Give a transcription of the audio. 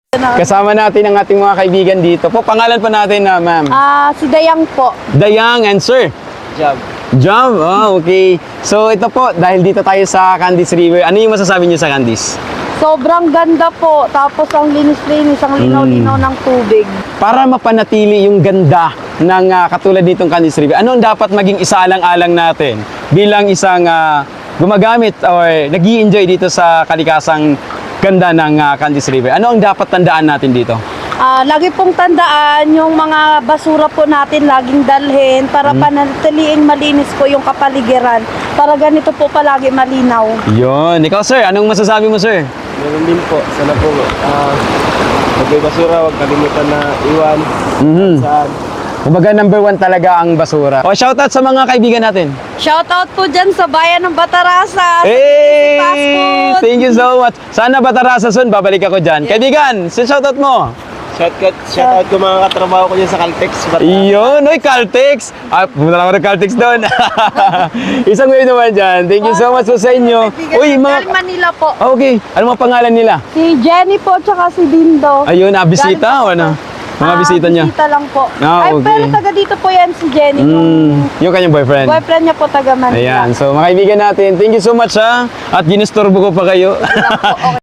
Kasama natin ang ating mga kaibigan dito po. Pangalan pa natin na ma'am. Si Dayang po. Dayang and sir. Job. Job, okay. So ito po, dahil dito tayo sa Candice River, ano yung masasabi niyo sa Candice? Sobrang ganda po. Tapos ang linis-linis, ang linaw-linaw ng tubig. Para mapanatili yung ganda ng katulad nitong Candice River, ano ang dapat maging isaalang-alang natin bilang isang gumagamit or nag-i-enjoy dito sa kalikasang ganda ng Candice River? Ano ang dapat tandaan natin dito? Lagi pong tandaan yung mga basura po natin laging dalhin para panatiliing malinis po yung kapaligiran. Para ganito po palagi malinaw. Yun. Ikaw sir, anong masasabi mo sir? Meron din po. Sana po, pag may basura, huwag kalimutan na iwan. Saan? Kumbaga number 1 talaga ang basura. O shoutout sa mga kaibigan natin. Shoutout po dyan sa bayan ng Batarasa. Hey! Fast food. Thank you so much. Sana Batarasa soon, babalik ako dyan. Kaibigan, shoutout mo. Shoutout ko mga katrabaho ko dyan sa Caltex. Iyon, oy, Caltex. Pumunta lang ako ng Caltex doon. Isang way naman dyan. Thank you so much po sa inyo. Uy, Galing Manila po. Okay, ano mga pangalan nila? Si Jenny po, tsaka si Dindo. Ayun, bisita o ano? Mga bisita niya. Bisita lang po. Ah, okay. Pero taga dito po yan si Jenny. Yung kanyang boyfriend. Boyfriend niya po taga Manila. Ayan, so mga kaibigan natin, thank you so much ha. At ginistorbo ko pa kayo. Okay.